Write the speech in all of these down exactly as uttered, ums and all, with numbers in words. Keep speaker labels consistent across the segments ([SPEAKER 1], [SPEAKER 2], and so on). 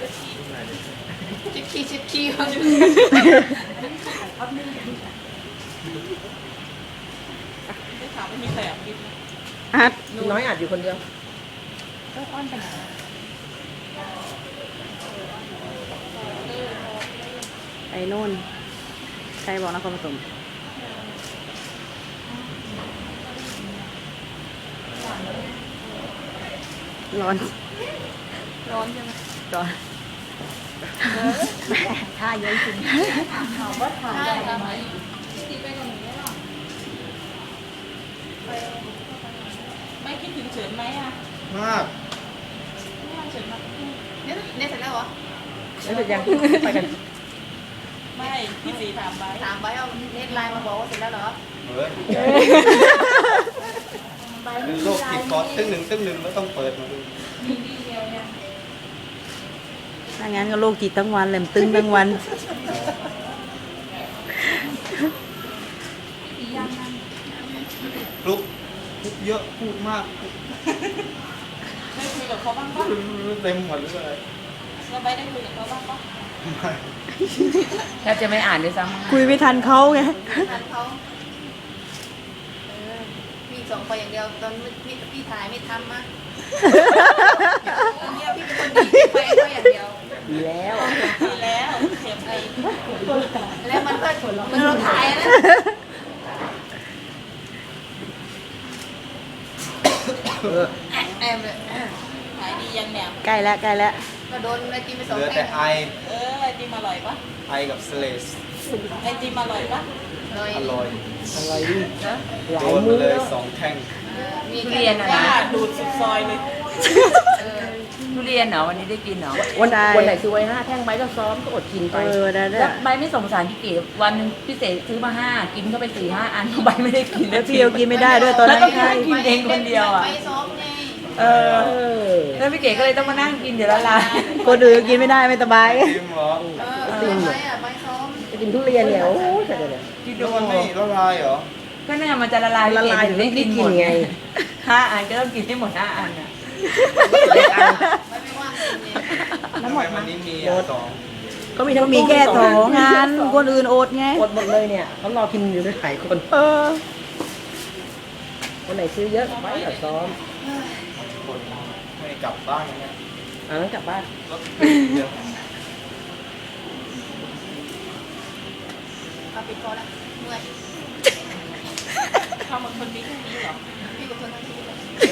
[SPEAKER 1] ชิคกี้ชิคกี้เขาจะได้ถามว่ามีใครอ่ะ
[SPEAKER 2] อัดน้อยอัดอยู่คนเดียวก็อ้อนไปไหนไอ้นู่นใครบอกนครปฐมร้อน
[SPEAKER 1] ร้อนใช่ไหม
[SPEAKER 2] ร้อนท่าเยอะจริงถามว่าถ่ายได้ไหม
[SPEAKER 1] ไม่คิดถึงเฉินไหมอ่ะ
[SPEAKER 3] มาก
[SPEAKER 1] เฉินมาเนี่ยเนี่ยเสร็จแล้วเหรอ
[SPEAKER 2] แล้วเสร็จยังไปกัน
[SPEAKER 1] ไม่พี่สีถามไปถามไปเอาเน็ตไลน์มาบอกว่าเสร็จแล้วเหรอ
[SPEAKER 3] เฮ้ยเป็นโรคติดคอตึ้งหนึ่งตึ้งหนึ่งก็ต้องเปิดมาดู
[SPEAKER 2] ถ้างั้นก็โรคจิตทั้งวันเลยตึงทั้งวัน
[SPEAKER 3] ลุกลุกเยอะพูดมาก
[SPEAKER 1] ได้คุยกับเขาบ้างปะ
[SPEAKER 3] เต็มหมดเลย
[SPEAKER 1] เราไปได้คุยกับเขาบ้างปะ
[SPEAKER 3] ไม่
[SPEAKER 4] แทบจะไม่อ่านด้วยซ้ำ
[SPEAKER 2] คุยไม่ทันเขาไง
[SPEAKER 1] ทันเขาเออพี่ส่งไปอย่างเดียวตอนพี่พี่ถ่ายไม่ทำมะตอนนี้พี่เป็นคนดีไปก็อย่างเดียว
[SPEAKER 2] ดีแล้ว
[SPEAKER 1] ดีแล้วเสียบไปแล้วมันก็มันเราถ่ายนะ
[SPEAKER 2] เออ
[SPEAKER 1] แอมเลยขายดียังเนี่ย
[SPEAKER 2] ใกล้แล้วใกล้แล้ว
[SPEAKER 1] ก็โดนไอติมไปสอง
[SPEAKER 3] เหลือ
[SPEAKER 1] แท่
[SPEAKER 3] แต่
[SPEAKER 1] ง
[SPEAKER 3] ไอ
[SPEAKER 1] เออไอติมอร่อยปะ
[SPEAKER 3] ไอกับสเลส
[SPEAKER 1] ไอติมอร่อยปะอร่อย
[SPEAKER 3] อร่อย
[SPEAKER 2] อะไรดิ
[SPEAKER 1] นะ
[SPEAKER 2] หลา
[SPEAKER 3] โด
[SPEAKER 2] ย
[SPEAKER 3] น
[SPEAKER 2] มื
[SPEAKER 3] มา
[SPEAKER 2] อ
[SPEAKER 3] เลย
[SPEAKER 2] แล้ว
[SPEAKER 3] สองแท่ง
[SPEAKER 1] มี
[SPEAKER 4] ทุเรียนอะ
[SPEAKER 1] ว่า
[SPEAKER 4] นะ
[SPEAKER 1] ดูดสุดซอยเลยเออ
[SPEAKER 4] ทุเรียนเหรอวันนี้ได้กินเหรอ
[SPEAKER 2] วัน
[SPEAKER 5] ใช่
[SPEAKER 2] วันไหนซื้อไว้ห้าแท่งไม้ก็ซ้อมก็อดกินไป
[SPEAKER 5] เออได้ได้
[SPEAKER 4] แล้วใบไม่สงสารพี่เก๋วันหนึงพี่เสกซื้อมาห้ากินเข้าไปสี่ห้าอันใบไม่ได้กิน
[SPEAKER 5] แล้วพี่เอากินไม่ได้ด้วยตอนนั้น
[SPEAKER 4] แล้วก็ให้กินเองคนเดียวอ่ะ
[SPEAKER 1] ไปซ้อมไง
[SPEAKER 4] เออ
[SPEAKER 5] เออ
[SPEAKER 4] แล้วพี่เก๋ก็เลยต้องมานั่งกินเดี๋ยวละลาย
[SPEAKER 5] คนอื่นกินไม่ได้ไม่สบาย
[SPEAKER 3] จริงเหรอ
[SPEAKER 1] เออไปอ่ะไปซ้อม
[SPEAKER 5] จะกินทุเรียนเนี่ยโอ้ยแต่เดี๋ยว
[SPEAKER 4] กิน
[SPEAKER 3] แล้
[SPEAKER 4] ดู
[SPEAKER 3] วมันไม่ละลายเหรอ
[SPEAKER 4] ก็น่ามันจะละลาย
[SPEAKER 5] ละลาย
[SPEAKER 4] ถึง
[SPEAKER 5] ไม่
[SPEAKER 4] ได้
[SPEAKER 5] ได้
[SPEAKER 4] กินห
[SPEAKER 5] กิ
[SPEAKER 4] ม
[SPEAKER 5] น
[SPEAKER 4] ด
[SPEAKER 5] ไง
[SPEAKER 4] ห้าอันก็ต้องกินให้หมดห้าอันอ่ะ
[SPEAKER 1] ไม่ไม่ว่างจริงเนี่ย
[SPEAKER 3] ทำไมวันนี้มีอ่ะสอง
[SPEAKER 5] ก็มีทั้งมีแค่สองงานคนอื่นอดไง
[SPEAKER 2] อดหมดเลยเนี่ยเขารอกินอยู่ด้วยหลายคน
[SPEAKER 5] เออ
[SPEAKER 2] วันไหนซื้อเยอะไว้ก็ซ้อม
[SPEAKER 3] คนไม่กลับบ้านเนี่ย
[SPEAKER 2] อ่านั้นกลับบ้าน
[SPEAKER 3] รถติดเยอะ
[SPEAKER 1] เอาปิดคอแล้วเมื่อยทำเหมือนคนนี้แค่นี้เหรอพี่กับคนทั้งชีวิตเลย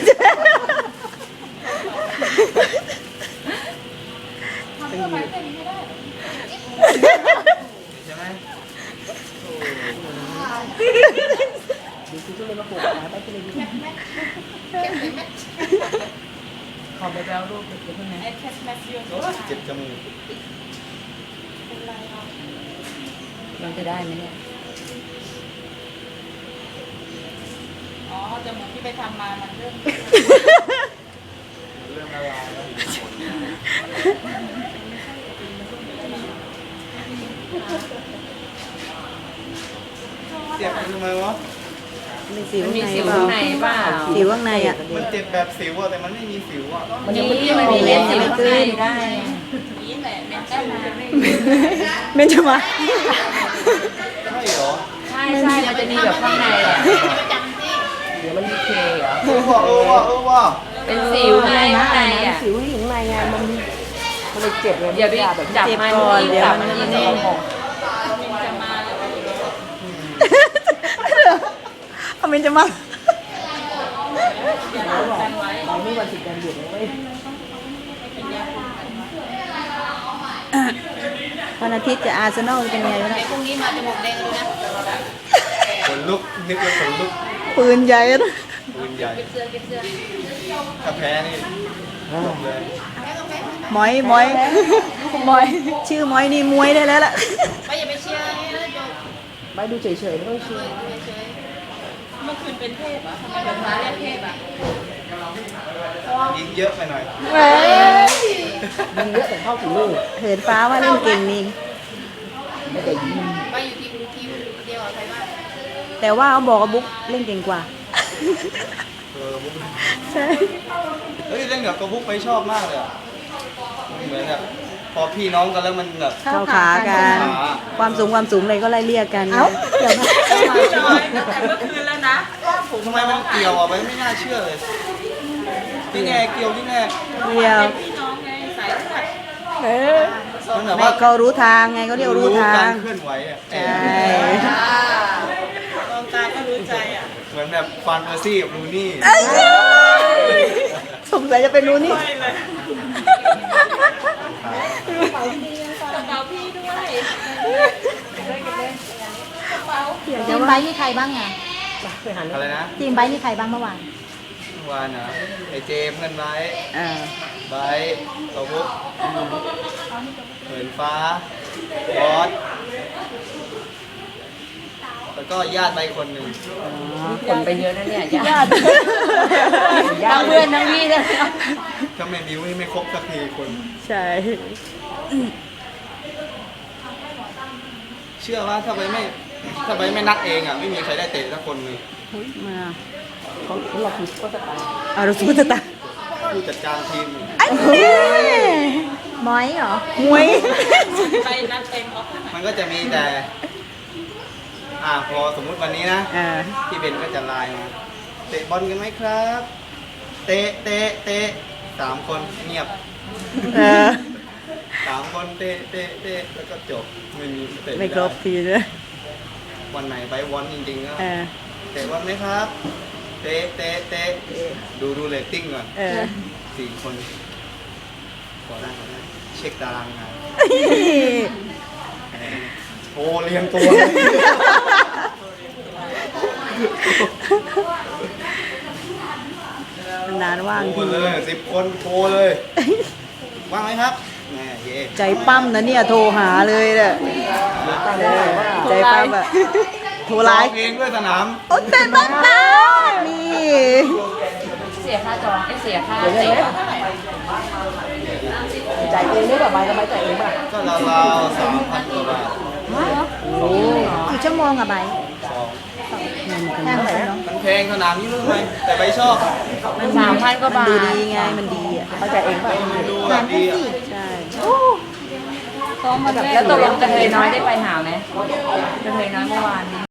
[SPEAKER 1] ทำเพื่อไปแค่นี้ไม่ได้
[SPEAKER 3] ใช่ไหม
[SPEAKER 2] ดูซื้อทุเรียนมาปลูกขายไปทุเรียน
[SPEAKER 1] แม็กแม็กแม็กแม็ก
[SPEAKER 4] ขอไปแบลรูปเดี๋ยวเพิ่งนะ
[SPEAKER 1] ไอ้แคสแม็กเยอะ
[SPEAKER 3] โอ้ยเจ็บจมูก
[SPEAKER 4] เราจะได้ไหมเนี่ย
[SPEAKER 1] อ๋อจมูกที่ไปทำมามันเริ่ม
[SPEAKER 3] เรื่องละลายแล้วเจ็บทำไมวะ
[SPEAKER 5] มีสิว
[SPEAKER 4] มันมี
[SPEAKER 5] ข้างใน
[SPEAKER 4] สิว
[SPEAKER 5] เปล่า
[SPEAKER 4] ข้างในเปล่า
[SPEAKER 5] สิวข้างในอ่ะ
[SPEAKER 3] มันเจ็บแบบสิวอะแต่มันไม่มีสิวอะ
[SPEAKER 4] มันยังไม่มันมีเม็ดสิวข้างในได้
[SPEAKER 1] นี่แหละเมนเต้นมา
[SPEAKER 5] เมนจะมา
[SPEAKER 3] ใช่เหรอ
[SPEAKER 4] ใช่ใช่มันจะมีแบบข้างในอ่ะ
[SPEAKER 1] ประจำสิ
[SPEAKER 2] เดี๋ยวมันมีเคเหรอ
[SPEAKER 3] เออว่ะเออว่ะเออว่ะ
[SPEAKER 4] เป็นสิวไงข้างในอ่ะ
[SPEAKER 2] สิวที่อยู่ข้างในไงมันมันเลยเจ็บไง
[SPEAKER 4] อย่าไป
[SPEAKER 2] แบบ
[SPEAKER 4] จับมันยิ่งจับมันยิ่งแน่น
[SPEAKER 1] จะมาแล้ว
[SPEAKER 5] เอาเมนจะมา
[SPEAKER 1] กันไว้
[SPEAKER 2] เราไม่วันสิบวันหยุดเลย
[SPEAKER 5] วันอาทิตย์จะอาร์เซนอลเป็นไงวะ
[SPEAKER 1] ไอ้
[SPEAKER 5] เนี่ย
[SPEAKER 1] พรุ่งนี้มาจมูกแดงเลยนะ
[SPEAKER 3] ขนลุกนึกว่าขนลุก
[SPEAKER 5] ปืนใหญ่นะ
[SPEAKER 3] ปืนใหญ่
[SPEAKER 1] เก็บเสื้อเก็บเสื้อ
[SPEAKER 3] ถ้าแพ้นี่จบเลย
[SPEAKER 1] แม่ก็แม่
[SPEAKER 5] หมอยหมอยหมอย ชื่อหมอยนี่มวยได้แล้วล่ะ
[SPEAKER 1] ไปอย่าไปเชียร์นี่นะโย
[SPEAKER 2] ไปดูเฉยๆไม่ต้องเชื่อ
[SPEAKER 1] เฉยๆเมื่อคืนเป็นเทพอ่ะทำไมแบบมาเรียกเทพอ่ะ
[SPEAKER 3] ยิงเยอะไปหน่อย
[SPEAKER 5] เว้ย
[SPEAKER 2] ยิงเยอะแต่เข้าถึงลูก
[SPEAKER 5] เหินฟ้าว่าเล่นเก่งนี่
[SPEAKER 2] ไม่ได้ยิง
[SPEAKER 1] ไปอยู่ทีมทีมเดียวกับใครบ้าง
[SPEAKER 5] แต่ว่าเขาบอกว่าบุ๊กเล่นเก่งกว่า
[SPEAKER 3] เออบุ๊ก
[SPEAKER 5] ใช่
[SPEAKER 3] เฮ้ยเล่นกับกระบุ๊กไปชอบมากเลยอะเหมือนแบบพอพี่น้องกันแล้วมันแบบ
[SPEAKER 5] เข้าขากัน
[SPEAKER 3] เข้าขา
[SPEAKER 5] ความสูงความสูงอะไรก็ไล่เรียกกัน
[SPEAKER 2] เอ้าเดี๋ยวนะ
[SPEAKER 4] น้อยตั้งแต่เมื่อคืนแล้วนะ
[SPEAKER 3] ทำไมมันเกี่ยวอ่ะไปไม่น่าเชื่อเลยที่แน่เกี่ยวที่แน่
[SPEAKER 5] เรียว
[SPEAKER 4] พี่น้องไงสายเลือด
[SPEAKER 2] เออ
[SPEAKER 3] มันแบบ
[SPEAKER 5] ไม่
[SPEAKER 3] ว่า
[SPEAKER 5] เขารู้ทางไงเขาเรียกรู้ทาก
[SPEAKER 3] าง รเคลื่อนไหวอ่ะ
[SPEAKER 5] ใช่
[SPEAKER 4] มองตาก็รู้ใจอ่ะ
[SPEAKER 3] เหมือนแบบฟานเปอร์ซี่กับลูนี่
[SPEAKER 5] สงสัยจะเป็นรู้นี่
[SPEAKER 4] กระเป๋าพี่ด้วย
[SPEAKER 6] ทีมไบค์มีใครบ้างอ่ะ
[SPEAKER 2] ไปหัน
[SPEAKER 3] อะไรนะ
[SPEAKER 6] ทีมไบค์มีใครบ้างเมื่อวาน
[SPEAKER 3] เมื่อวานนะไอเจมส์กันไว้
[SPEAKER 5] อ่า
[SPEAKER 3] ไบร์ทตัวพุกเหินฟ้าบอสแล้วก็ญาติใบคนหนึ่ง
[SPEAKER 4] คนไปเยอะนะเนี่ยญาติทั้งเพื่อนทั้งพี่เลย
[SPEAKER 3] ถ้าไม่บิ้วนี่ไม่ครบสักทีคน
[SPEAKER 5] ใช่
[SPEAKER 3] เชื่อว่าถ้าใบไม่ถ้าใบไม่นัดเองอ่ะไม่มีใครได้เตะสักคนเลย
[SPEAKER 5] มา
[SPEAKER 2] เขาเราคือก็จะตาย
[SPEAKER 5] เอาเราสู้จะตาย
[SPEAKER 3] ผู้จัดการทีม
[SPEAKER 5] อันนี้
[SPEAKER 6] มอยเหรอ
[SPEAKER 5] มวย
[SPEAKER 4] ไปนัดเต็มออฟ
[SPEAKER 3] มันก็จะมีแต่ อ่าพอสมมุติวันนี้นะ
[SPEAKER 5] อ่า
[SPEAKER 3] พี่เบนก็จะไลน์มาเตะบอลกันไหมครับ เตะเตะเตะสามคนเงียบ
[SPEAKER 5] เออ
[SPEAKER 3] สามคนเตะเตะเตะแล้วก็จบไม่มีเตะ
[SPEAKER 5] ไม่ครบ
[SPEAKER 3] ด้
[SPEAKER 5] ทีเลย
[SPEAKER 3] วันไหนไปวอนจริงๆก็
[SPEAKER 5] เออ
[SPEAKER 3] เตะบอลไหมครับ เตะเตะเตะดูดูเรตติ้งก่อน
[SPEAKER 5] เออ
[SPEAKER 3] สี่คนขอได้ขอได้เช็คตารางงานโอ้เรียงตัว
[SPEAKER 5] นานว่าง
[SPEAKER 3] โทร
[SPEAKER 5] ที
[SPEAKER 3] เลยสิบคนโทรเลย ว่างไหมครับแหมเย่
[SPEAKER 5] ใจปั้มนะเนี่ยโทรหาเลยแหละใจปั้มแบบโทรไลน์
[SPEAKER 3] เองด้วยสนาม
[SPEAKER 5] โอ้แต่บ้าบ้านี่
[SPEAKER 4] เสียค่าจองไอ้เสียค่าเตะ
[SPEAKER 2] จ่ายเองได้ป่ะใบกับใบจ่ายเองป่ะ
[SPEAKER 3] ก็ราวๆสามพันกว่าบาท
[SPEAKER 6] กี่ชั่วโมงอะไบค์
[SPEAKER 3] สอง
[SPEAKER 6] แพงเหมือนกันเนาะ
[SPEAKER 3] มันแพงสนามนี้รู้ไหมแต่ไปชอบ
[SPEAKER 4] สามพันกว่า
[SPEAKER 5] มัน
[SPEAKER 4] บา
[SPEAKER 5] ดู
[SPEAKER 4] ท
[SPEAKER 5] ดีไงมันดีอ่ะ
[SPEAKER 2] เขาจ่ายเองป่ะ
[SPEAKER 3] ดูแบบดีอ่ะ
[SPEAKER 5] ใช่
[SPEAKER 4] แล้วตกลงกระเทยน้อยได้ไปหาไหมกระเทยน้อยเมื่อวานนี้